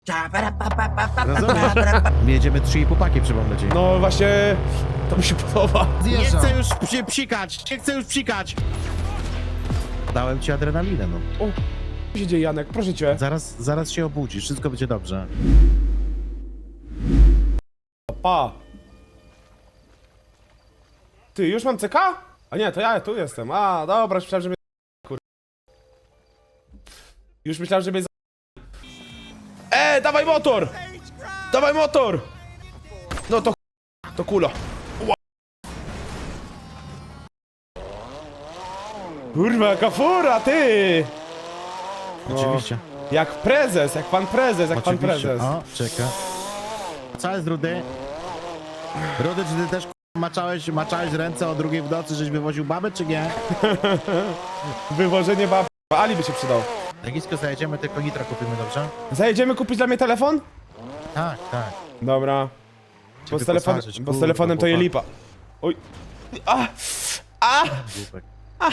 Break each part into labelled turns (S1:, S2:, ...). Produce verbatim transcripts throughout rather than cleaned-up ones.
S1: Rozumiesz? My jedziemy trzy i pół paki, przypomnę ci.
S2: No właśnie, to mi się podoba.
S1: Nie chcę już przy, psikać, nie chcę już psikać. Dałem ci adrenalinę, no.
S2: O, co się dzieje, Janek? Proszę cię.
S1: Zaraz, zaraz się obudzisz, wszystko będzie dobrze.
S2: Pa. Ty, już mam C K? A nie, to ja tu jestem. A, dobra, już myślałem, że mnie... Kur... Już myślałem, że mnie... E, dawaj motor! Dawaj motor! No to... To kulo. Ła. Kurwa, jaka fura, ty!
S1: Oczywiście.
S2: Jak prezes, jak pan prezes, jak pan
S1: Oczywiście.
S2: prezes.
S1: O, czeka. Co jest, Rudy? Rudy, czy ty też k***a, maczałeś, maczałeś ręce o drugiej w nocy, żeś wywoził babę, czy nie?
S2: Wywożenie bab... Ali by się przydał.
S1: Legisko, zajedziemy, tylko nitra kupimy, dobrze?
S2: Zajedziemy kupić dla mnie telefon?
S1: Tak, tak.
S2: Dobra. Bo z, telefon...
S1: wyposażyć,
S2: Bo z
S1: kurwa,
S2: telefonem to je
S1: chłopak.
S2: lipa. Oj. A! A!
S1: Głupek.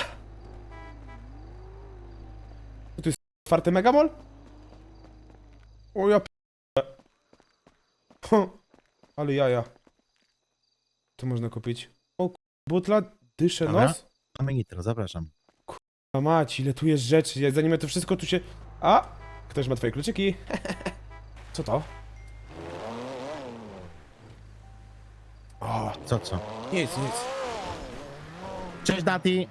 S2: To jest czwarty megamol? O ja p... Hm. Ale jaja. Co można kupić? O k... butla, dyszę
S1: Dobra.
S2: nos?
S1: Mamy nitro, zapraszam.
S2: A mać, ile tu jest rzeczy, ja- zanim ja to wszystko tu się... A! Ktoś ma twoje kluczyki. Co to? O,
S1: Co, co?
S2: nic, nic.
S1: Cześć, Nati!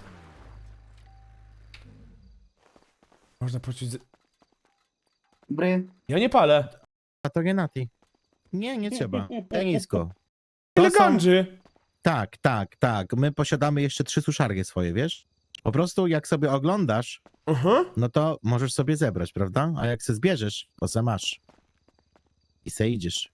S2: Można poczuć... Z...
S3: Dobry.
S2: Ja nie palę.
S1: A to nie Nati. Nie, nie trzeba. Legisko. To
S2: Ile
S1: są-
S2: gandży?
S1: Tak, tak, tak. My posiadamy jeszcze trzy suszarnie swoje, wiesz? Po prostu jak sobie oglądasz,
S2: Aha.
S1: no to możesz sobie zebrać, prawda? A jak se zbierzesz, to se masz. I se idziesz.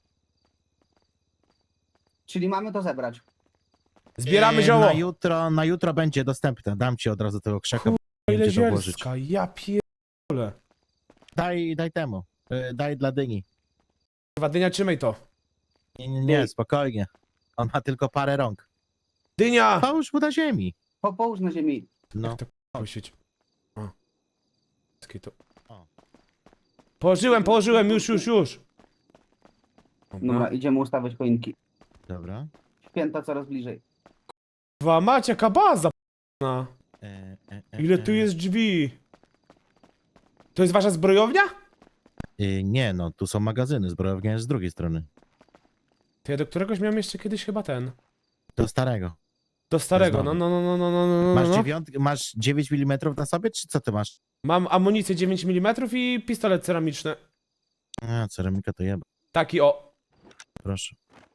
S3: Czyli mamy to zebrać.
S2: Zbieramy
S1: E,
S2: zioło.
S1: Na jutro, na jutro będzie dostępne. Dam ci od razu tego krzaka.
S2: Ile
S1: będziesz obłożyć.
S2: zielska, ja pierdolę.
S1: Daj, daj temu. E, Daj dla dyni.
S2: Chyba dynia, trzymaj to.
S1: Nie, nie, nie, spokojnie. On ma tylko parę rąk.
S2: Dynia!
S1: Połóż mu na ziemi.
S3: Po, połóż na ziemi.
S1: No.
S2: To puścić. O. Skitu.
S1: O.
S2: Położyłem, położyłem, już, już, już.
S3: Dobra, idziemy ustawiać choinki.
S1: Dobra.
S3: Święta coraz bliżej.
S2: Dwa macie, jaka baza p***na.
S1: E, e, e,
S2: Ile tu
S1: e.
S2: jest drzwi? To jest wasza zbrojownia?
S1: E, nie, no, tu są magazyny. Zbrojownia jest z drugiej strony.
S2: To ja do któregoś miałem jeszcze kiedyś chyba ten.
S1: Do starego.
S2: Do starego, no,
S1: Znowu.
S2: no, no, no, no, no, no,
S1: Masz,
S2: no.
S1: dziewiąt, masz dziewięć milimetrów na sobie, czy co ty masz?
S2: Mam amunicję dziewięć milimetrów i pistolet ceramiczny.
S1: A, ceramika to jeba.
S2: Taki o.
S1: Proszę.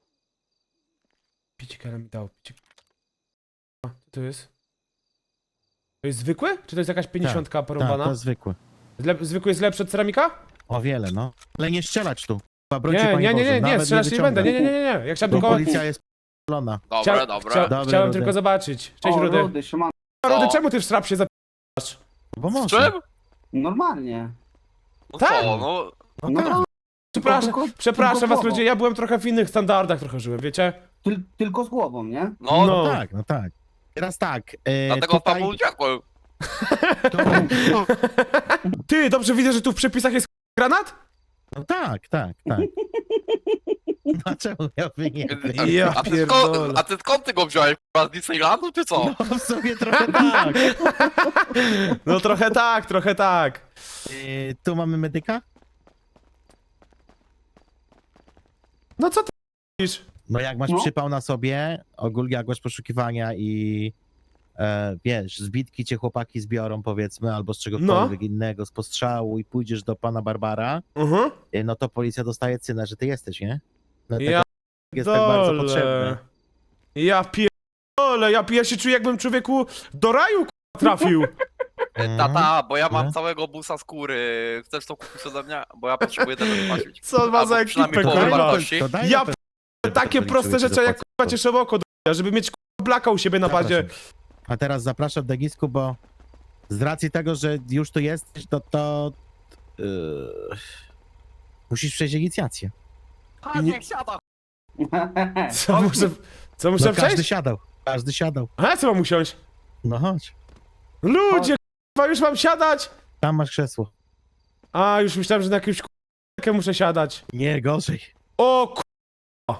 S2: Picik, ale mi dał. Picik. A, co to jest? To jest zwykły? Czy to jest jakaś pięćdziesiątka
S1: Tak,
S2: porąbana?
S1: to jest zwykłe.
S2: Zle zwykły jest lepszy od ceramika?
S1: O wiele, no. Ale nie strzelać tu. Chyba broń ci,
S2: Nie,
S1: Panie
S2: nie, nie,
S1: Boże,
S2: nie, nie,
S1: nawet
S2: strzelać nie będę. Nie, nie,
S1: wyciągam.
S2: nie, nie, nie. Jak chciałem
S1: Bo
S2: tylko...
S1: policja jest p***lona.
S4: Dobra,
S2: Chcia...
S4: dobra.
S2: Chcia...
S1: Dobry,
S2: Chciałem
S1: Rudy.
S2: tylko zobaczyć. Cześć,
S3: o,
S2: Rudy.
S3: Rudy, siema.
S2: Rudy,
S4: Co?
S2: czemu ty w strap się zapierasz?
S1: Bo
S4: Z
S1: może.
S4: czym?
S3: Normalnie.
S4: No
S2: Tak.
S4: co, no...
S1: No
S3: No
S1: tak.
S3: to,
S2: Przepraszam,
S3: tylko-
S2: przepraszam
S3: tylko
S2: was
S3: głową.
S2: ludzie, ja byłem trochę w innych standardach trochę żyłem, wiecie?
S3: Tyl, tylko z głową, nie?
S4: No,
S2: No.
S1: No tak, no tak. Teraz tak. E,
S4: dlatego
S1: tutaj,
S4: Paweł uciekłem.
S1: tu,
S2: Ty, dobrze widzę, że tu w przepisach jest granat?
S1: no tak, tak, tak. No czemu miałby nie być?
S2: Ja
S4: a, ty
S2: pierdolę.
S4: skąd, a ty skąd ty go wziąłeś? K***a, z Disneylandu czy co?
S1: No w sumie trochę tak.
S2: No trochę tak, trochę tak.
S1: E, tu mamy medyka?
S2: No co ty mówisz?
S1: No jak masz
S3: No.
S1: przypał na sobie, ogólnie jak masz poszukiwania i e, wiesz, zbitki cię chłopaki zbiorą powiedzmy, albo z czegokolwiek
S2: No.
S1: innego, z postrzału i pójdziesz do pana Barbara,
S2: Mhm.
S1: e, no to policja dostaje cynę, że ty jesteś, nie? No,
S2: Ja
S1: jest tak bardzo
S2: dole.
S1: potrzebny.
S2: Ja pierdolę, ja, ja się czuję jakbym człowieku do raju k***a, trafił.
S1: Mhm.
S4: Tata, bo ja mam
S1: No.
S4: całego busa skóry. Chcesz to kupić ode mnie? Bo ja potrzebuję tego wypłacić.
S2: Co ma za
S4: Albo przynajmniej
S2: ekipę,
S4: połowę
S2: kurwa.
S4: wartości.
S1: To daj
S2: Ja
S1: na pewno,
S2: Takie
S1: to
S2: proste
S1: policzyły ci
S2: rzeczy jak
S1: zapłacę.
S2: k***a cieszę oko do żeby mieć k***a blaka u siebie na bazie.
S1: Zapraszam. A teraz zapraszam Denisku, bo z racji tego, że już tu jesteś, to to yy, musisz przejść inicjację.
S4: A
S2: Nie-
S4: niech siada.
S2: Co muszę, co muszę
S1: No, każdy
S2: przejść?
S1: siadał, każdy siadał.
S2: A co mam usiąść?
S1: No chodź,
S2: Ludzie, k***a, już mam siadać?
S1: tam masz krzesło.
S2: A, już myślałem, że na jakimś k***a k***ę muszę siadać.
S1: Nie, gorzej.
S2: O k***a.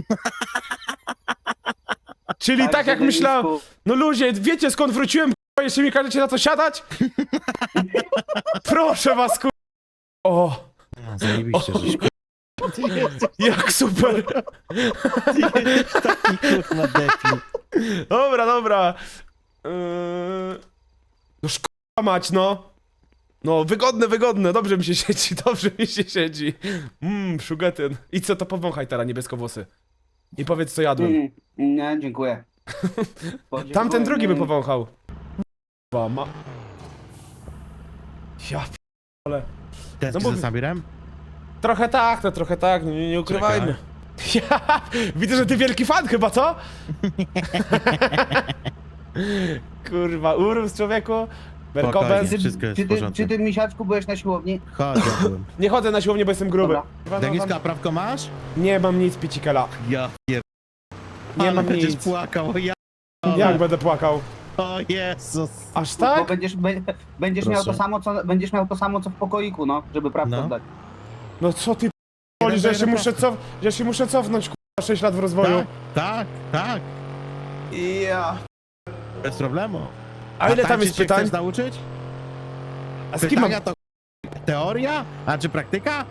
S2: Czyli tak, jak
S3: Denisku,
S2: myślałem. No ludzie, wiecie skąd wróciłem, k***a, jeszcze mi każecie na to siadać? Proszę was, k***a. O,
S1: A, zajebiście, żeś Ty jesteś
S2: jak super.
S1: taki kurwa debil.
S2: Dobra, dobra. Yy... No szkoda mać, no. No, wygodne, wygodne, dobrze mi się siedzi, dobrze mi się siedzi. Mmm, szugetyn. I co to powąchaj teraz, niebieskowłosy. I powiedz, co jadłem.
S3: Mm, nie, dziękuję.
S2: Tamten drugi by
S3: Mm.
S2: powąchał. Kurwa, ma... Ja p... ale...
S1: Tęsknisz
S2: No bo-
S1: za Sabirem?
S2: Trochę tak, to trochę tak, no nie, nie ukrywajmy. Ja, widzę, że ty wielki fan chyba, co? Kurwa, urósł człowieku. Merkobez.
S1: Spokojnie. Wszystko jest
S3: Czy
S1: w
S3: ty,
S1: porządku.
S3: czy ty, misiaczku, byłeś na siłowni?
S1: Chodź, ja byłem.
S2: Nie chodzę na siłownię, bo jestem gruby.
S3: Dobra.
S2: Kurwa, no,
S1: Deniska,
S2: mam-
S1: prawko masz?
S2: Nie mam nic, picikela.
S1: Ja pier...
S2: Nie
S1: Ale
S2: mam
S1: będziesz
S2: nic.
S1: płakał, o ja...
S2: Jak będę płakał?
S1: O Jezus.
S2: Aż
S3: Bo
S2: tak?
S3: będziesz, be, będziesz, miał to
S1: Proszę.
S3: samo, co, będziesz miał to samo, co w pokoiku, no, żeby prawdę
S1: No.
S3: oddać.
S2: No co ty p***oli, że ja się muszę cof... że ja się muszę cofnąć, kurwa, sześć lat w rozwoju.
S1: Tak, tak, tak.
S2: Ja.
S1: Bez problemu.
S2: A ile tam
S1: tańczyć
S2: jest
S1: się
S2: pytań?
S1: chcesz nauczyć?
S2: A z kim mam...
S1: Pytania to teoria? A czy praktyka?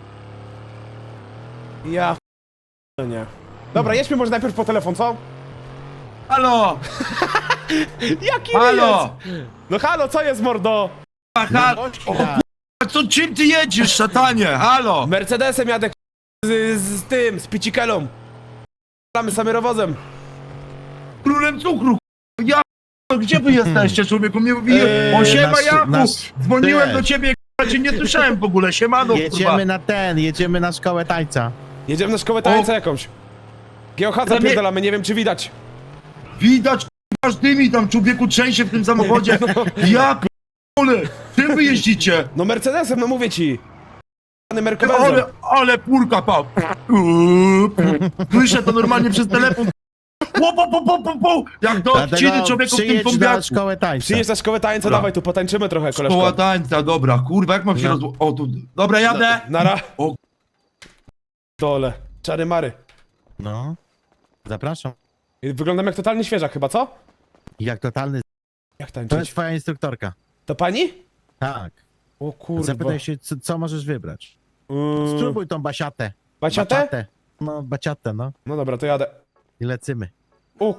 S2: Ja... p- nie. Dobra, jedźmy może najpierw po telefon, co?
S5: Halo!
S2: Jaki
S5: Halo!
S2: jest? No halo, co jest, mordo?
S5: A, halo! O, k***a, co, czym ty jedziesz, szatanie? Halo!
S2: Mercedesem jadę, k***a, z, z tym, z picikelą. Mamy samerowozem.
S5: Królem cukru, k***a. Ja p- gdzie wy jesteście, człowieku? Mnie mówi,
S2: Eee,
S5: o siema
S1: nasz-
S5: Jaku!
S1: nasz-
S5: Dzwoniłem
S1: Ty.
S5: do ciebie, k***a, cię nie słyszałem w ogóle, siemano, kurwa.
S1: Jedziemy na ten, jedziemy na szkołę tańca.
S2: Jedziemy na szkołę tańca jakąś. Geohadza
S5: Ale nie-
S2: pierdolamy, nie wiem czy widać.
S5: Widać, k***a, aż dymi tam, człowieku, trzęsie w tym samochodzie. Ja p***ole, czym wy jeździcie?
S2: No Mercedesem, no mówię ci. Pany
S5: Ale,
S2: Mercedesem.
S5: ale purka, pa. Słyszę to normalnie przez telefon. Ło, po, po, po, po, po. Jak do odciny człowieku w tym
S1: przyjedź na
S5: pombiaku.
S1: szkołę tańca.
S2: Przyjedź na szkołę tańca,
S5: Dobra.
S2: dawaj tu, potańczymy trochę,
S5: Szkoła
S2: koleżko.
S5: tańca, dobra, kurwa, jak mam się
S1: No.
S5: rozło... O, tu... Dobra, jadę!
S2: Nara.
S5: O.
S2: Dole. Czary mary.
S1: No. Zapraszam.
S2: Wyglądam jak totalny świeżak chyba, co?
S1: Jak totalny...
S2: Jak
S1: To jest
S2: tańczyć?
S1: twoja instruktorka.
S2: To pani?
S1: Tak.
S2: O kurwa.
S1: Zapytaj się, co, co możesz wybrać.
S2: Yy,
S1: Spróbuj tą basiatę.
S2: Baciatę?
S1: Baciatę. No, baciatę, no.
S2: No dobra, to jadę.
S1: I lecymy.
S2: O.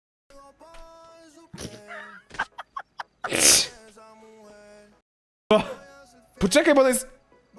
S2: O. Poczekaj, bo to jest...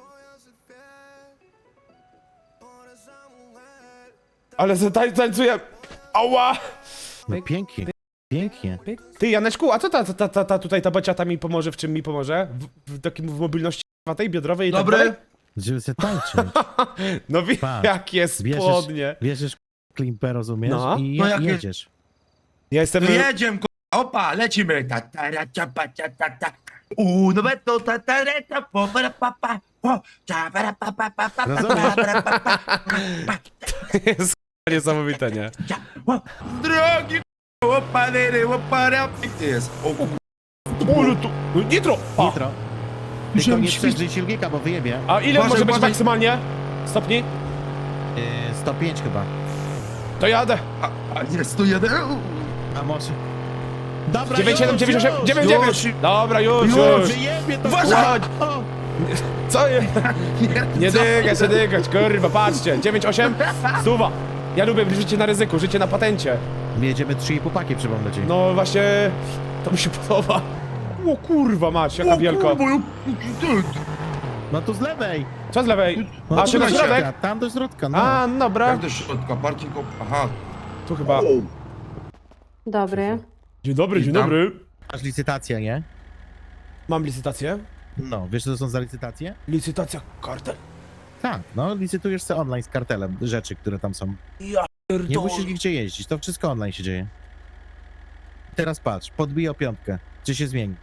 S2: Ale zatań, tańcuję... Ała!
S1: No pięknie. Pięknie.
S2: Ty, Janeczku, a co ta, ta, ta, ta tutaj ta baciata mi pomoże? W czym mi pomoże? W, w takim w mobilności tej biodrowej i tak
S5: Dobry?
S2: dalej?
S1: Żeby się tańczyć.
S2: No wie,
S1: Patrz.
S2: jakie spodnie.
S1: Bierzesz klimper, rozumiesz?
S2: No.
S1: I
S5: No
S1: je,
S5: jakie-
S1: jedziesz.
S2: Ja jestem...
S5: No jedziemy, k***a, opa, lecimy. Ta, ta, ra, cia, pa, cia, ta, ta. Uno, beto, ta, ta, re, ta, po, para, pa, pa, po, cia, para, pa, pa, pa, pa, pa,
S1: Rozumiesz?
S5: para, pa, pa, pa,
S2: jest niesamowite, nie?
S5: cia, o. Drogi, k***a, opa, lery, opa, ra, ty jest. O, k***a.
S2: Ulu tu... Nitro! O.
S1: Nitro. Tylko
S5: Musiałem
S1: nie
S5: świt-
S1: strzeż silnika, bo wyjebie.
S2: A ile
S5: Uważaj,
S2: może być
S5: uważaj.
S2: maksymalnie? Stopni?
S1: Yy, sto pięć chyba.
S2: To jadę.
S5: A, a jest tu jeden.
S1: A może... Dobra,
S2: dziewięć siedem dziewięć osiem
S1: już,
S2: dziewięć
S5: już.
S2: dziewięć. Dobra, już,
S5: Już.
S2: już.
S1: Wyjebie to
S2: Uważaj.
S1: kurwa. O,
S2: Co jest? Nie dygać, nie dygać, kurwa, patrzcie. dziewięć osiem, stuwa. Ja lubię życie na ryzyku, życie na patencie.
S1: My jedziemy trzy i pół paki, przypomnę ci.
S2: No właśnie, to mi się podoba. O kurwa mać, jaka wielka.
S5: O, kurwa, ja- ty.
S1: No tu z lewej.
S2: Co z lewej?
S1: No
S2: A,
S1: tu
S2: czy na
S1: do
S2: środek?
S1: środka, tam do środka, no.
S2: A, no dobra.
S5: Jak do środka, parking, op- aha.
S2: Tu chyba.
S6: Dobry.
S2: Dzień dobry, dzień
S5: Witam.
S2: dobry.
S1: Masz licytację, nie?
S2: Mam licytację.
S1: No, wiesz co to są za licytacje?
S2: Licytacja kartel.
S1: Tak, no licytujesz sobie online z kartelem rzeczy, które tam są.
S2: Ja
S1: Nie
S2: pierdolę.
S1: musisz nigdzie jeździć, to wszystko online się dzieje. Teraz patrz, podbij o piątkę, czy się zmieni.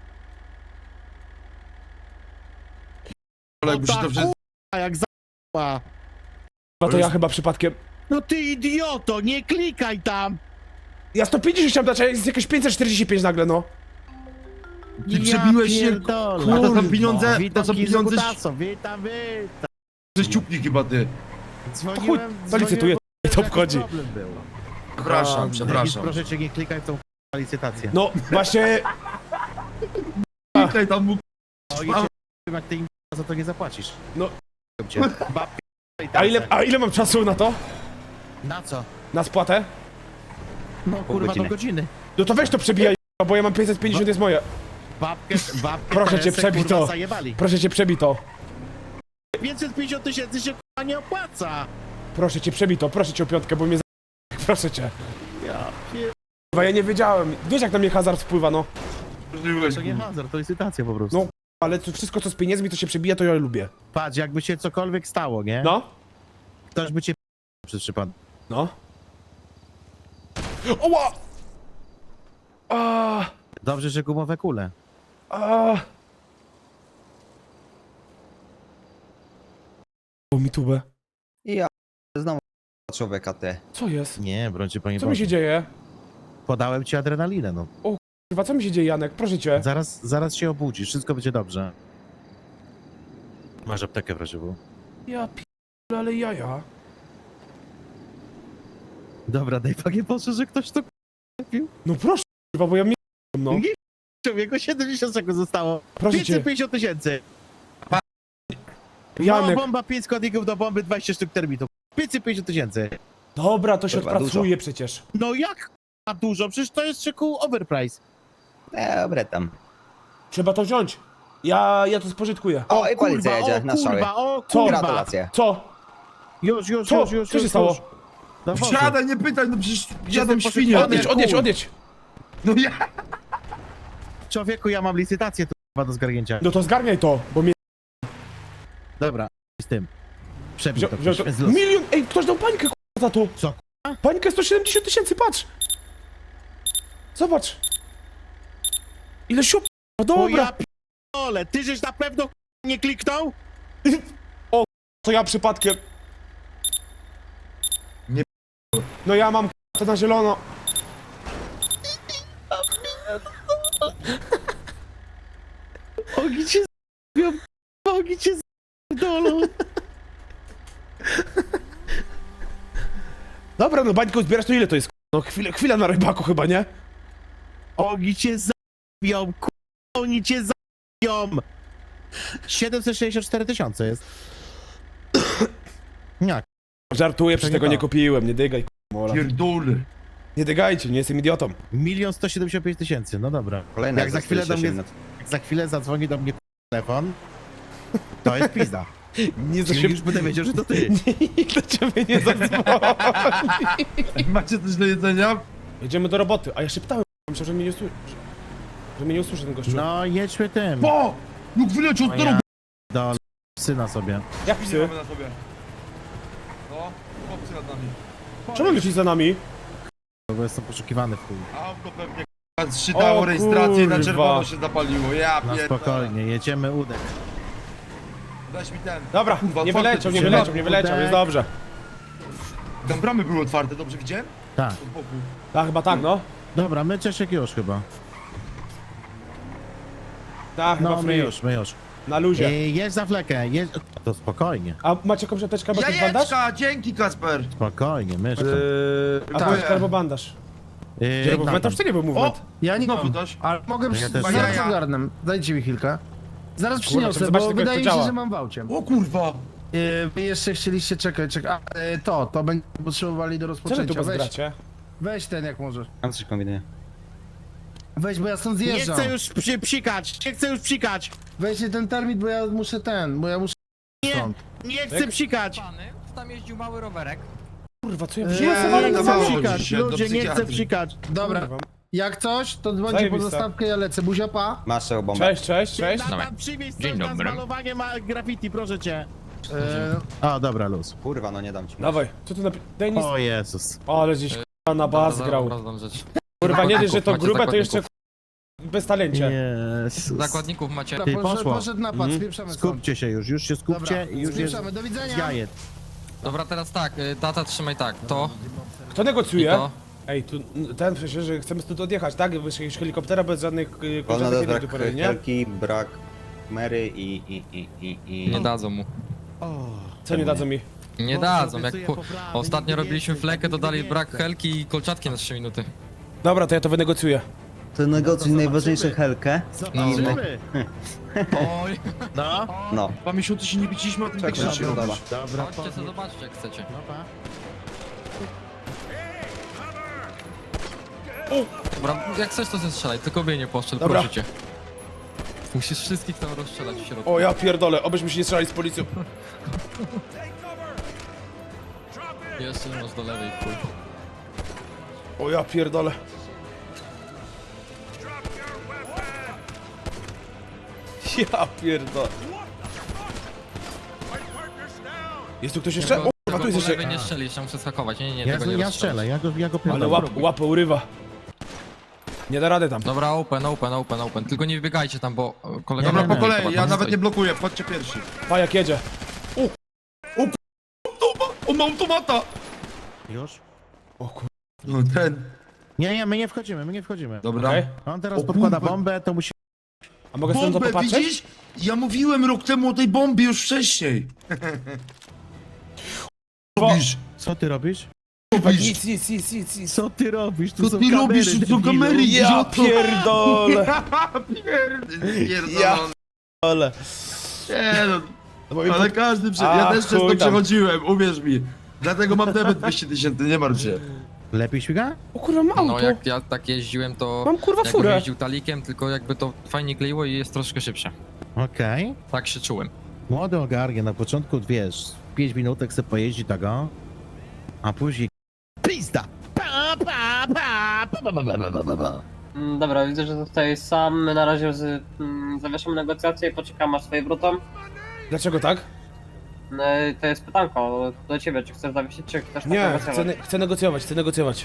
S5: Ale jakby się to wszystko...
S1: A jak za***a.
S2: No to ja chyba przypadkiem.
S1: No ty idioto, nie klikaj tam!
S2: Ja sto pięćdziesiąt chciałem dać, a jest jakieś pięćset czterdzieści pięć nagle, no.
S5: Ty przebiłeś się,
S1: pierdolę.
S5: A to są pieniądze, to
S1: Witam
S5: są pieniądze...
S1: Kizukutaso, witam, witam.
S5: Że ściupni chyba ty.
S1: Dzwoniłem,
S2: chuj, to licytuję,
S1: dzwoniłem,
S2: to
S1: bo
S2: obchodzi.
S1: jakiś problem był.
S5: Przepraszam,
S1: Denis,
S5: przepraszam.
S1: proszę cię, nie klikaj w tą k***a licytację.
S2: No, właśnie...
S5: Klikaj tam mu.
S1: O, i cię, jak ty im za to nie zapłacisz.
S2: No.
S1: Cię. Babki i
S2: A ile,
S1: tace.
S2: a ile mam czasu na to?
S1: Na co?
S2: Na spłatę?
S1: No kurwa,
S5: godziny.
S1: do godziny.
S2: No to weź to przebijaj, bo ja mam pięćset pięćdziesiąt, jest moje.
S1: Babkę, babkę
S2: Proszę cię,
S1: Teresę,
S2: przebij
S1: kurwa,
S2: to.
S1: zajebali.
S2: Proszę cię, przebij to.
S1: pięćset pięćdziesiąt tysięcy się kurwa nie opłaca.
S2: Proszę cię, przebij to, proszę cię o piątkę, bo mnie za... Proszę cię.
S1: Ja pier...
S2: Kurwa, ja nie wiedziałem. Wiesz jak na mnie hazard wpływa, no.
S1: To nie hazard, to licytacja po prostu.
S2: No. Ale to wszystko co z pieniędzmi to się przebija, to ja lubię.
S1: Patrz, jakby się cokolwiek stało, nie?
S2: No?
S1: Ktoś by cię p- przez przypadek.
S2: No. Oła! A,
S1: Dobrze, że gumowe kule.
S2: a. O, mi tubę.
S7: Ja znowu człowieka ty.
S2: Co jest?
S1: Nie, brońcie panie
S2: Co mi
S1: Boże.
S2: się dzieje?
S1: Podałem ci adrenalinę, no.
S2: Kurwa, co mi się dzieje, Janek? Proszę cię.
S1: Zaraz, zaraz się obudzisz, wszystko będzie dobrze. Masz aptekę w razie W.
S2: Ja p***le, ale jaja.
S1: Dobra, daj panie Boże, że ktoś to kupił.
S2: No proszę, kurwa, bo ja mnie no.
S1: Nie, człowieku, siedemdziesiąt sekund zostało.
S2: Proszę cię.
S1: pięćset pięćdziesiąt tysięcy.
S2: Janek.
S1: Mała bomba, pięć składników do bomby, dwadzieścia sztuk termitu. pięćset pięćdziesiąt tysięcy.
S2: Dobra, to się
S7: Kurwa,
S2: odpracuje przecież.
S1: No jak a dużo? Przecież to jest szyku overprice.
S7: Dobre tam.
S2: Trzeba to wziąć. Ja, ja to spożytkuję.
S7: O, i policja
S1: kurwa,
S7: jedzie
S1: o
S7: na strzały.
S1: kurwa, o
S2: Co?
S1: kurwa.
S7: Gratulacje.
S2: Co?
S1: Już, już,
S2: Co?
S1: już, już.
S2: Co się
S1: już,
S2: stało?
S1: już. Do wozu.
S5: Siadaj, nie pytaj, no przecież jadą
S1: poszedł-
S5: świnie.
S2: Odjedź, odjedź, odjedź.
S5: No ja.
S1: Człowieku, ja mam licytację tu kurwa, do zgarnięcia.
S2: No to zgarniaj to, bo mnie
S1: Dobra, z tym. Przebij
S2: wziął,
S1: to,
S2: wziął to.
S1: proszę, z losu.
S2: Milion, ej, ktoś dał pańkę k***a, za to.
S1: Co,
S2: Pańkę sto siedemdziesiąt tysięcy, patrz. Zobacz. Ile siup, no
S1: O
S2: dobra.
S1: ja p***ole, ty żeś na pewno k***a, nie kliknął?
S2: To ja przypadkiem.
S5: Nie
S2: No ja mam k***a, to na zielono.
S1: Ogi cię z***ą, ogi cię z***dolą.
S2: Dobra, no bańkę zbierasz, to ile to jest? k***a? No chwilę, chwila na rybaku chyba, nie?
S1: Ogi cię z***ą, k***a, oni cię z***ą. siedemset sześćdziesiąt cztery tysiące jest. Jak?
S2: Żartuję, przecież
S1: To nie
S2: tego nie
S1: to.
S2: kupiłem, nie dygaj k***a, mola.
S5: Pierdolę.
S2: Nie dygajcie, nie jestem idiotą.
S1: Milion sto siedemdziesiąt pięć tysięcy, no dobra.
S7: Kolejna
S1: Jak za chwilę do mnie,
S7: minut.
S1: jak za chwilę zadzwoni do mnie telefon, to jest pizda.
S2: Nie za
S1: Czyli
S2: się...
S1: już będę wiedział, że to ty.
S2: Nikt do ciebie nie zadzwoni.
S5: Macie coś do jedzenia?
S2: Jedziemy do roboty, a ja szeptałem, myślę, że mnie nie usłyszy. Że mnie nie usłyszy ten gościu.
S1: No, jedźmy tym.
S5: O! No wyleciał od
S1: ja do syna sobie.
S2: Jak psy?
S5: na sobie. No, chłopcy nad nami.
S2: Czemu lecisz za nami?
S1: Bo jestem poszukiwany w chuj.
S5: Auto pewnie k***a, zszytało
S2: O
S5: rejestrację i na
S2: kurwa.
S5: czerwono się zapaliło. Ja
S1: No
S5: pierdolę.
S1: spokojnie, jedziemy udek.
S5: Weź mi ten.
S2: Dobra,
S5: Kurwa,
S2: nie
S5: otwarte
S2: wyleciał, nie
S5: drzwi.
S2: wyleciał, nie wyleciał, jest dobrze.
S5: Tam bramy były otwarte, dobrze widziałem?
S1: Tak.
S5: Od boku.
S2: Tak, chyba tak, no.
S1: Dobra, my Czeszek już chyba.
S2: Tak, chyba
S1: No, my
S2: free.
S1: już, my już.
S2: Na luzie.
S1: Ej, jedź za flekę, jedź... To spokojnie,
S2: A macie jakąś apteczkę albo jakiś bandaż?
S5: Jajeczka, dzięki Kasper.
S1: spokojnie, myszko.
S2: Yy,
S5: Tak.
S2: apteczkę albo bandaż.
S1: Yy,
S2: Gdzie był
S1: tam,
S2: movement?
S1: tam.
S2: To nie był movement.
S8: Ja nie
S5: Znowu
S8: mam,
S5: coś?
S8: ale mogę
S1: Ja
S8: przy...
S1: też
S8: zaraz
S5: nie.
S8: ogarnę. Dajcie mi chwilkę. Zaraz
S2: Kurwa,
S8: przyniosę,
S2: trzeba zobaczyć
S8: bo
S2: tylko, jak
S8: wydaje
S2: to
S8: mi się,
S2: działa.
S8: że mam w aucie.
S5: O kurwa.
S8: Yy, wy jeszcze chcieliście czekać, czekaj. A, yy, to, to będzie potrzebowali do
S2: Co wy tu
S8: rozpoczęcia. Weź,
S2: pozgracie?
S8: weź ten jak możesz.
S7: Mam coś kombinuję.
S8: Weź, bo ja stąd
S1: Nie
S8: zjeżdżam.
S1: chcę już przy, psikać, nie chcę już psikać.
S8: Weźcie ten termit, bo ja muszę ten, bo ja muszę
S1: Nie,
S8: stąd.
S1: nie chcę psikać.
S9: Tam jeździł mały rowerek.
S2: Kurwa, co ja
S8: Eee,
S2: wziąłem?
S1: Nie
S5: ale to
S1: chcę
S5: mało
S1: psikać,
S5: dzisiaj, do
S1: ludzie, nie chcę
S5: psychiatry.
S1: psikać.
S8: Dobra,
S2: Kurwa.
S8: jak coś, to dzwońcie po
S2: Zajebiste.
S8: zastawkę, ja lecę. Buzia, pa.
S7: Masz tego bombę.
S2: Cześć, cześć, cześć.
S1: Tata, przywieź coś
S9: Dzień
S1: na
S9: dobry.
S1: zmalowanie ma graffiti, proszę cię.
S8: Yy,
S1: O, dobra, luz.
S7: Kurwa, no nie dam ci.
S2: Dawaj, co tu napi... Daj nic.
S1: O Jezus.
S2: O, ale gdzieś k***a na bas grał.
S9: rzecz.
S2: Kurwa, nie dość, że to
S9: Macie
S2: grube, to
S9: zakładników.
S2: jeszcze k***a, bez talencie.
S1: Jezus.
S9: Zakładników macie.
S1: Ty,
S8: poszedł,
S1: poszło.
S8: poszedł napad,
S2: Mhm.
S8: spieprzamy stąd.
S1: Skupcie się już, już się skupcie
S8: Dobra,
S1: i już jest
S8: spieprzamy, do widzenia.
S1: jajet.
S9: Dobra, teraz tak, y, tata trzymaj tak, to
S2: Kto
S9: i
S2: negocjuje?
S9: to.
S2: Ej, tu ten przecież, że chcemy stąd odjechać, tak? Bez jakiegoś helikoptera, bez żadnych y,
S7: Wolno
S2: kończątek
S7: brak
S2: jednych dupery, nie?
S7: helki, brak Mary i i i i i...
S9: Nie dadzą mu.
S2: Co nie dadzą mi?
S9: Nie
S1: Bo
S9: dadzą, jak
S1: obiecuję
S9: po...
S1: poprawy,
S9: ostatnio
S1: nigdy
S9: robiliśmy
S1: więcej,
S9: flekę, to
S1: nigdy
S9: dali
S1: więcej.
S9: brak helki i kolczatki na trzy minuty.
S2: Dobra, to ja to wynegocjuję.
S7: To negocjuj najważniejsze helkę.
S1: Zobaczymy.
S9: Oj,
S1: No,
S7: No.
S5: Dwa miesiące się nie widzieliśmy, a ty tak
S7: Czekaj,
S5: rzeczy
S7: dobra.
S5: robisz.
S1: dobra.
S9: chodźcie sobie
S1: podnieś.
S9: zobaczcie jak chcecie.
S1: No pa.
S9: Dobra, jak chcesz to zestrzelaj, tylko mnie nie poszczel,
S2: Dobra.
S9: proszę cię. Musisz wszystkich tam rozstrzelać w środku.
S2: O ja pierdolę, obyśmy się nie strzelali z policją.
S9: Jeszcze masz do lewej, chuj.
S2: O ja pierdolę. Ja pierdolę. Jest tu ktoś jeszcze? O,
S9: Tylko,
S2: kurwa, tu
S9: tylko
S2: jest
S9: po lewej
S2: jeszcze.
S9: nie strzelisz, ja muszę skakować, nie, nie, nie,
S1: Ja,
S9: tego nie
S1: ja
S9: rozstrzelać.
S1: strzelę, ja go, ja go
S2: Ale
S1: pierdolę.
S2: łap, łapę urywa. Nie da rady tam.
S9: Dobra, open, open, open, open. Tylko nie wybiegajcie tam, bo e, kolega...
S5: Dobra,
S1: Nie,
S5: po
S1: nie,
S5: kolei,
S9: nie,
S5: ja
S9: nie
S5: nawet
S9: stoi.
S5: nie blokuję, wchodźcie pierwsi.
S2: Pajak jedzie.
S5: On ma automata!
S1: Już?
S2: O kur...
S5: No ten.
S1: Nie, nie, my nie wchodzimy, my nie wchodzimy.
S5: Dobra.
S2: Okej.
S1: On teraz
S5: O
S1: podkłada
S5: kurwa.
S1: bombę, to musi...
S2: A mogę stąd to
S5: Bombę,
S2: popatrzeć?
S5: widzisz? Ja mówiłem rok temu o tej bombie już wcześniej. Robisz?
S1: Co ty robisz?
S5: Robisz?
S2: Nic, nic, nic, nic, nic.
S1: Co ty robisz? Tu
S5: Co
S1: są
S5: ty
S1: kamery,
S5: robisz? Tu są
S1: debilu.
S5: kamery,
S2: Ja
S5: idioto.
S2: pierdolę.
S5: Ja
S2: Ale...
S5: Nie no,
S2: No bo mi
S5: ale
S2: pod...
S5: każdy prze...
S2: A,
S5: Ja też przez
S2: chuj
S5: to
S2: tam.
S5: przechodziłem, uwierz mi. Dlatego mam debet dwieście tysięcy, nie martw się.
S1: Lepiej śmiga?
S2: O kurwa, mam
S9: No
S2: auto.
S9: jak ja tak jeździłem, to...
S2: Mam kurwa
S9: jakbym
S2: furę.
S9: jeździł talikiem, tylko jakby to fajnie kleiło i jest troszkę szybsze.
S1: Okej.
S9: Tak się czułem.
S1: Młody ogarnie, na początku, wiesz, pięć minutek se pojeździ tego, a później... Pizda! Pa, pa, pa, pa, pa, pa, pa, pa, pa, pa.
S10: Mm, Dobra, widzę, że zostajesz sam. My na razie z, mm, zawieszamy negocjacje i poczekamy aż swoje wrócą.
S2: Dlaczego tak?
S10: No, i to jest pytanko do ciebie, czy chcesz zawiesić, czy chcesz tak
S2: Nie,
S10: negocjować?
S2: chcę, ne- chcę negocjować, chcę negocjować.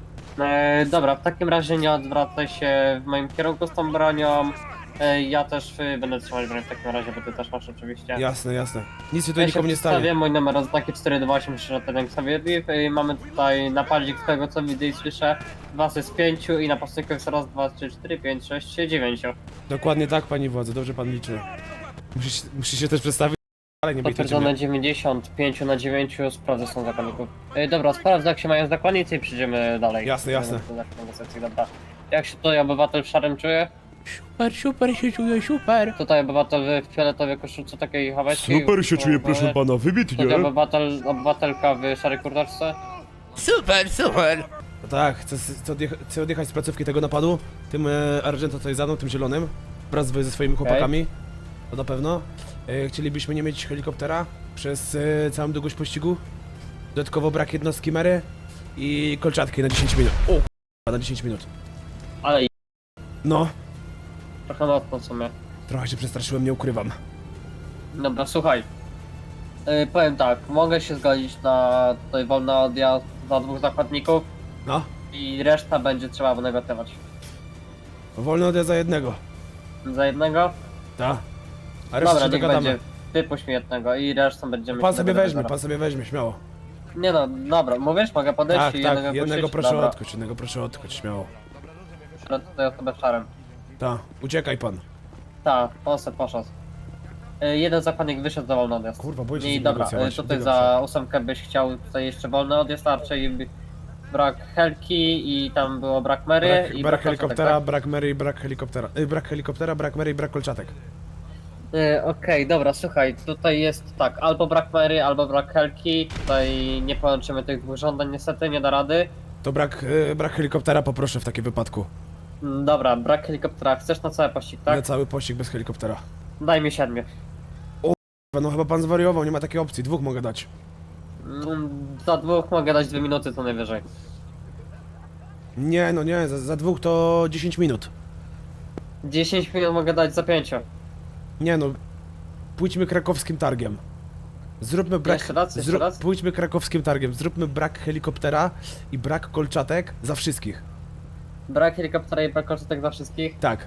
S10: E, dobra, w takim razie nie odwracaj się w moim kierunku z tą bronią. E, ja też y, będę trzymać broń w takim razie, bo ty też masz oczywiście.
S2: Jasne, jasne. Nic się tutaj
S10: Ja się
S2: nikomu nie
S10: przedstawię,
S2: stanie.
S10: mój numer oznaki cztery dwa osiem trzy sobie i mamy tutaj napadzik z tego co widzę i słyszę. Was jest pięciu i napastników jest raz, dwa, trzy, cztery, pięć, sześć, dziewięć.
S2: Dokładnie tak, pani władzy, dobrze pan liczy. Musisz, musisz się też przedstawić, ale nie bejtujcie
S10: Potwierdzone
S2: mnie.
S10: dziewięćdziesiąt pięć na dziewięć, sprawdzę są zakonników. E, dobra, sprawdzę jak się mają zakonnicy i przejdziemy dalej.
S2: Jasne, jasne.
S10: Do naszych negocjacji, dobra. Jak się tutaj obywatel w szarym czuje?
S2: Super, super się czuję, super.
S10: Tutaj obywatel w fioletowej koszulce takiej hawajskiej.
S2: Super się czuję, proszę pana,
S10: Tutaj
S2: wybitnie.
S10: obywatel, obywatelka w szarej kurteczce.
S4: Super, super.
S2: No tak, chcę, chcę, odjecha chcę odjechać z placówki tego napadu. Tym e, Argento tutaj za mną, tym zielonym. Wraz z- ze swoimi chłopakami. To na pewno. E, chcielibyśmy nie mieć helikoptera przez e, całą długość pościgu. Dodatkowo brak jednostki Mary i kolczatki na dziesięć minut. O, k***a, na dziesięć minut.
S10: Ale i
S2: No,
S10: trochę mocno w sumie.
S2: trochę się przestraszyłem, nie ukrywam.
S10: Dobra, słuchaj. Yy, powiem tak, mogę się zgodzić na tutaj wolny odjazd za dwóch zakładników
S2: No,
S10: i reszta będzie trzeba wynegocjować.
S2: wolny odjazd za jednego.
S10: Za jednego?
S2: Tak. A resztę
S10: Dobra,
S2: się
S10: niech
S2: dogadamy.
S10: będzie. Wypuść mi jednego i resztą będziemy
S2: Pan
S10: się
S2: sobie
S10: dogadywać
S2: weźmie,
S10: zaraz.
S2: pan sobie weźmie, śmiało.
S10: Nie no, dobra, mówisz, mogę podejść
S2: Tak,
S10: i
S2: tak,
S10: jednego
S2: jednego
S10: puścić?
S2: proszę
S10: Dobra.
S2: odkuć, jednego proszę odkuć, śmiało.
S10: Proszę tutaj osobę w szarym.
S2: Tak, uciekaj pan.
S10: Tak, poszedł, poszedł. Yy, jeden zakładnik wyszedł za wolny odjazd.
S2: Kurwa, boję się z
S10: I
S2: nim
S10: dobra,
S2: negocjować,
S10: yy, tutaj
S2: biegam
S10: za ósemkę byś chciał tutaj jeszcze wolny odjazd, a raczej by- brak Helki i tam było brak Mary
S2: Brak,
S10: i
S2: brak
S10: kolczatek,
S2: helikoptera,
S10: tak?
S2: brak Mary i brak helikoptera. Y, brak helikoptera, brak Mary i brak kolczatek.
S10: Yy, Okej, dobra, słuchaj, tutaj jest tak, albo brak Mary, albo brak Helki, tutaj nie połączymy tych dwóch żądań, niestety nie da rady.
S2: To brak, y, brak helikoptera poproszę w takim wypadku.
S10: Mm, Dobra, brak helikoptera, chcesz na cały pościg,
S2: Na
S10: tak?
S2: cały pościg bez helikoptera.
S10: Daj mi siedmiu.
S2: No chyba pan zwariował, nie ma takiej opcji, dwóch mogę dać.
S10: Mm, Za dwóch mogę dać dwie minuty co najwyżej.
S2: Nie, no nie, za, za dwóch to dziesięć minut.
S10: dziesięć minut mogę dać za pięciu.
S2: Nie no, pójdźmy krakowskim targiem. Zróbmy brak,
S10: Jeszcze raz, jeszcze raz?
S2: pójdźmy krakowskim targiem, zróbmy brak helikoptera i brak kolczatek za wszystkich.
S10: Brak helikoptera i brak kosztek za wszystkich?
S2: Tak,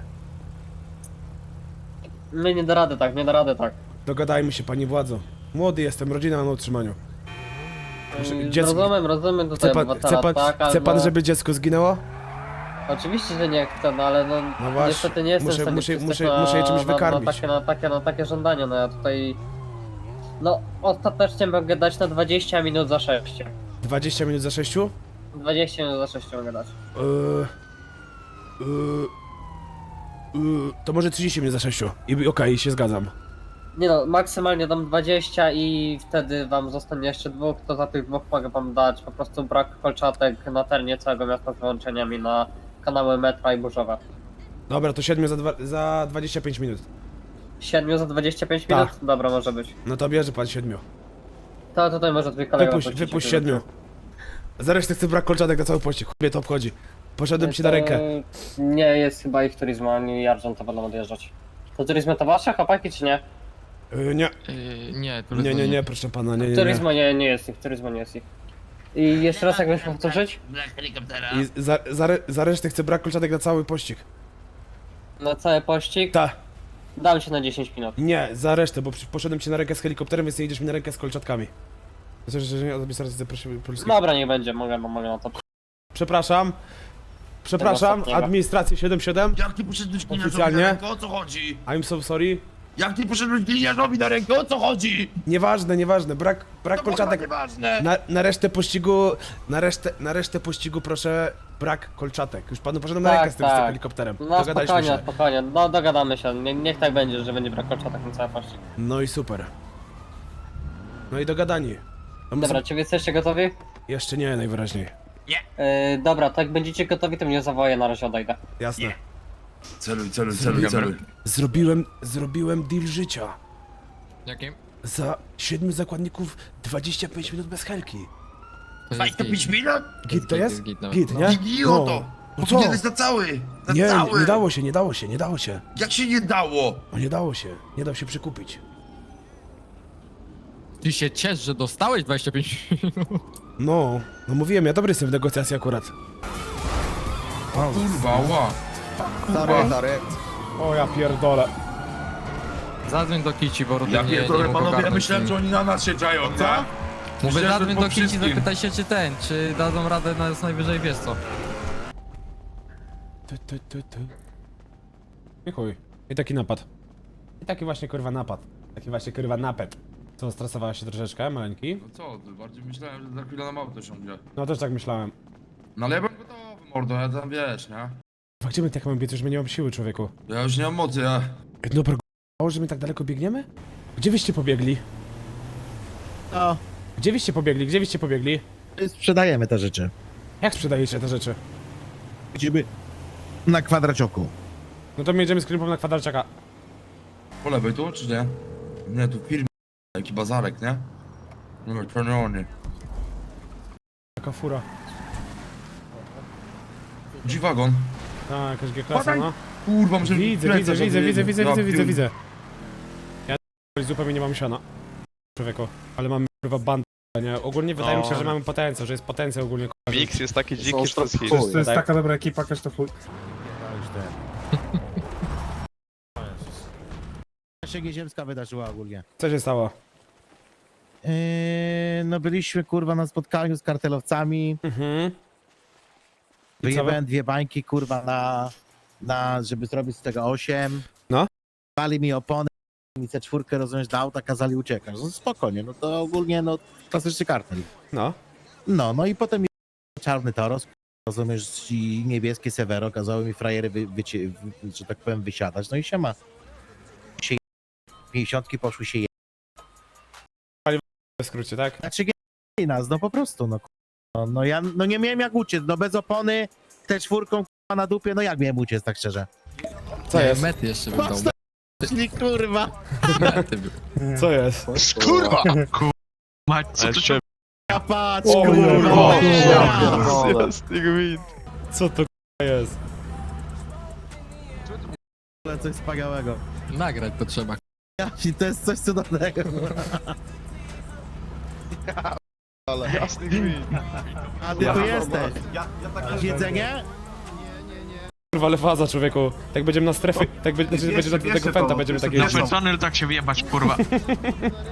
S10: My nie da rady tak, nie da rady tak.
S2: dogadajmy się pani władzo. Młody jestem, rodzina na utrzymaniu. Proszę,
S10: Yy,
S2: dziecko-
S10: Rozumiem, rozumiem
S2: Chce
S10: tutaj
S2: pan,
S10: obywatela,
S2: chce, pan,
S10: tak,
S2: chce pan,
S10: albo-
S2: żeby dziecko zginęło?
S10: Oczywiście, że nie chcę, no ale no,
S2: No właśnie,
S10: niestety nie jestem
S2: muszę-
S10: w stanie
S2: muszę-
S10: przystać
S2: muszę-
S10: na,
S2: muszę je czymś
S10: na,
S2: wykarmić.
S10: Na takie, na, takie, na takie żądania, no ja tutaj No, ostatecznie mogę dać na dwadzieścia minut za sześć.
S2: dwadzieścia minut za sześciu?
S10: dwadzieścia minut za sześć mogę dać.
S2: Yy, yy, yy, to może trzydzieści minut za sześciu. I okej, się zgadzam.
S10: Nie no, maksymalnie dam dwadzieścia i wtedy wam zostanie jeszcze dwóch, to za tych dwóch mogę wam dać po prostu brak kolczatek na terenie całego miasta z wyłączeniami na kanały metra i burzowe.
S2: Dobra, to siedmiu za, dwa, za dwadzieścia pięć minut.
S10: siedmiu za dwadzieścia pięć
S2: Tak.
S10: minut? Dobra, może być.
S2: No to bierze pan siedmiu.
S10: To tutaj może twój kolega
S2: Wypuść,
S10: puścić,
S2: wypuść
S10: jak
S2: siedmiu.
S10: będzie.
S2: Za resztę chcę brak kolczatek na cały pościg. Chłopie, to obchodzi. Poszedłem ci na
S10: To
S2: rękę.
S10: Nie jest chyba ich turizmu, ani Argent to będą odjeżdżać. To turizmy to wasze, chłopaki, czy nie?
S2: Yy, nie,
S9: Yy, nie, to
S2: nie, nie, nie, proszę pana, nie, nie, nie.
S10: Turizmo nie, nie jest ich, turizmo nie jest ich. I jeszcze raz jakbyś powtórzyć?
S5: Dla helikoptera.
S2: I za, za, re- za resztę chcę brak kolczatek na cały pościg.
S10: Na cały pościg?
S2: Ta,
S10: Dam się na dziesięć minut.
S2: nie, za resztę, bo przy- poszedłem ci na rękę z helikopterem, więc nie idziesz mi na rękę z kolczatkami. Myślę, że nie administracji zaprosił polskiej.
S10: Dobra, nie będzie, mogę, mogę na to.
S2: Przepraszam. Przepraszam,
S10: ostatniego.
S2: administrację siedem siedem.
S5: Jak ty poszedłeś gliniarzowi
S2: Oficjalnie?
S5: na rękę, o co chodzi?
S2: I'm so sorry.
S5: Jak ty poszedłeś gliniarzowi na rękę, o co chodzi?
S2: Nieważne, nieważne, brak, brak
S5: To kurwa
S2: kolczatek.
S5: nieważne.
S2: Na, na resztę pościgu, na resztę, na resztę pościgu proszę brak kolczatek. Już panu poszedłem na
S10: Tak,
S2: rękę z tym, z tym
S10: tak.
S2: helikopterem.
S10: No
S2: Dogadaliśmy
S10: spokojnie,
S2: się.
S10: spokojnie, no dogadamy się, Nie, niech tak będzie, że będzie brak kolczatek na cały pościg.
S2: No i super. No i dogadani. A my
S10: Dobra,
S2: sobie-
S10: czy wy jesteście gotowi?
S2: Jeszcze nie, najwyraźniej.
S10: Yy, dobra, to jak będziecie gotowi, to mnie zawołaj, na razie odejdę.
S2: Jasne.
S5: Celuj, celuj, celuj, celuj.
S2: Zrobiłem, zrobiłem deal życia.
S9: Jakim?
S2: Za siedmiu zakładników dwadzieścia pięć minut bez helki.
S9: To jest
S5: dwadzieścia pięć
S9: git.
S5: minut?
S2: Git to jest?
S9: Git, nawet.
S2: Git,
S9: No.
S2: nie?
S5: Idioto!
S2: No co?
S5: Powinieneś na cały! Na
S2: Nie,
S5: cały!
S2: nie dało się, nie dało się, nie dało się.
S5: Jak się nie dało?
S2: No nie dało się, nie dał się przekupić.
S9: Ty się ciesz, że dostałeś dwadzieścia pięć minut.
S2: No, no mówiłem, ja dobry jestem w negocjacji akurat.
S5: Kurwa, ła.
S7: Sorry, sorry.
S2: O ja pierdolę.
S9: Zadzwoń do Kici, bo Rudy
S5: Ja
S9: nie,
S5: pierdolę,
S9: nie mógł
S5: panowie, ja
S9: ogarnąć
S5: myślałem,
S9: z
S5: że
S9: nim.
S5: oni na nas się czają, co?
S9: Mówię,
S5: Myślałem, że
S9: zadzwoń
S5: po
S9: do Kici,
S5: wszystkim.
S9: zapytaj się czy ten, czy dadzą radę nas najwyżej, wiesz co.
S2: Ty, ty, ty, ty. I chuj. I taki napad. I taki właśnie kurwa napad. Taki właśnie kurwa napad. Co, stresowałeś się troszeczkę, maleńki?
S5: No co ty, bardziej myślałem, że za chwilę nam auto siądzie.
S2: No też tak myślałem.
S5: No ale ja byłem gotowy, mordo, ja tam wiesz, nie?
S2: A gdzie my tak mamy biec, już my nie mam siły, człowieku?
S5: Ja już nie mam mocy, ja...
S2: Ej, dobra, g***ało, że my tak daleko biegniemy? Gdzie wyście pobiegli?
S1: No,
S2: Gdzie wyście pobiegli? Gdzie wyście pobiegli?
S1: sprzedajemy te rzeczy.
S2: Jak sprzedajecie te rzeczy?
S1: Idziemy na kwadracioku.
S2: No to my jedziemy z klipą na kwadraciaka.
S5: Po lewej tu, czy nie? Nie, tu firma, jaki bazarek, nie? No, czerwony.
S2: Taka fura.
S5: G-Wagon.
S2: Tak, jakaś G-klasa, no.
S5: Kurwa, muszę...
S2: Widzę,
S5: plecak
S2: widzę, widzę,
S5: odwiedzić.
S2: widzę, widzę,
S5: Ja
S2: widzę, widzę,
S5: pier-
S2: widzę. Ja zupełnie nie mam siana. Człowieku, ale mamy kurwa bandę, nie? Ogólnie wydaje mi się, że mamy potencjał, że jest potencjał ogólnie.
S4: Mix jest taki dziki, że to jest hit.
S2: To jest taka
S8: dobra ekipa, każ to chuj.
S1: się Nieziemska wydarzyła ogólnie.
S2: Co się stało?
S1: Yy, no byliśmy kurwa na spotkaniu z kartelowcami.
S2: Mhm. I co
S1: Wyjebałem dwie bańki kurwa na, na żeby zrobić z tego osiem.
S2: No.
S1: Pali mi opony, mi C cztery rozumiesz do auta, kazali uciekać. No spokojnie, no to ogólnie no klasyczny kartel.
S2: No.
S1: No, no i potem mi czarny Toros, rozumiesz, i niebieskie Severo kazały mi frajery, wy, wycie, wy, że tak powiem, wysiadać. No i siema. Się pięćdziesiątki poszły się je...
S2: W skrócie, tak?
S1: Znaczy nie nas, no po prostu, no. No, no ja no nie miałem jak uciec, no bez opony, te czwórką kurwa na dupie, no jak miałem uciec tak szczerze?
S2: Co
S9: Nie,
S2: jest?
S9: Mety jeszcze bym dał.
S1: Patrz, czyli kurwa.
S9: Mety był.
S2: Co jest?
S11: Kurwa! Mać, co tu się...
S1: Ja patrz,
S2: O,
S1: kurwa.
S2: kurwa.
S1: Ja.
S2: Co to k***a jest?
S1: Ale coś wspaniałego.
S9: Nagrać to trzeba.
S1: Ja, to jest coś cudownego.
S11: Jasny gwint.
S1: A ty tu jesteś. Masz jedzenie?
S2: Kurwa, ale faza, człowieku. Tak będziemy na strefie, tak będzie, znaczy, będzie do tego pęta, będziemy takie...
S11: Na personel tak się wyjebać, kurwa.